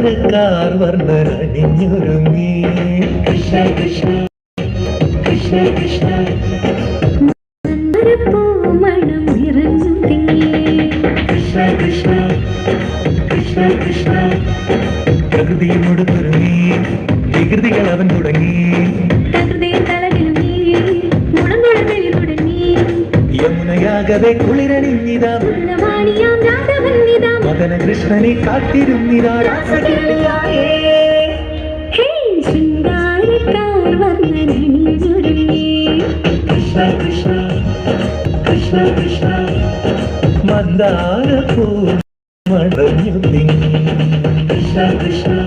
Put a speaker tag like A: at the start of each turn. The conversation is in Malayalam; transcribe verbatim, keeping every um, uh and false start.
A: മന്ദാരക്കാർ വർണ്ണനണിഞ്ഞൊരുങ്ങി കൃഷ്ണ കൃഷ്ണ കൃഷ്ണ കൃഷ്ണ
B: മണം നിറഞ്ഞു തിങ്ങി
A: കൃഷ്ണ കൃഷ്ണ കൃഷ്ണ കൃഷ്ണ പ്രകൃതിയോട് തുറങ്ങി വികൃതികൾ അവൻ തുടങ്ങി യമുനയാകവെ കുളിരണിഞ്ഞിതാ മദന കൃഷ്ണനെ കാത്തിരുന്നിതാ കൃഷ്ണ കൃഷ്ണ കൃഷ്ണ കൃഷ്ണ മന്ദാരപ്പൂ മടഞ്ഞു തിങ്ങി കൃഷ്ണ കൃഷ്ണ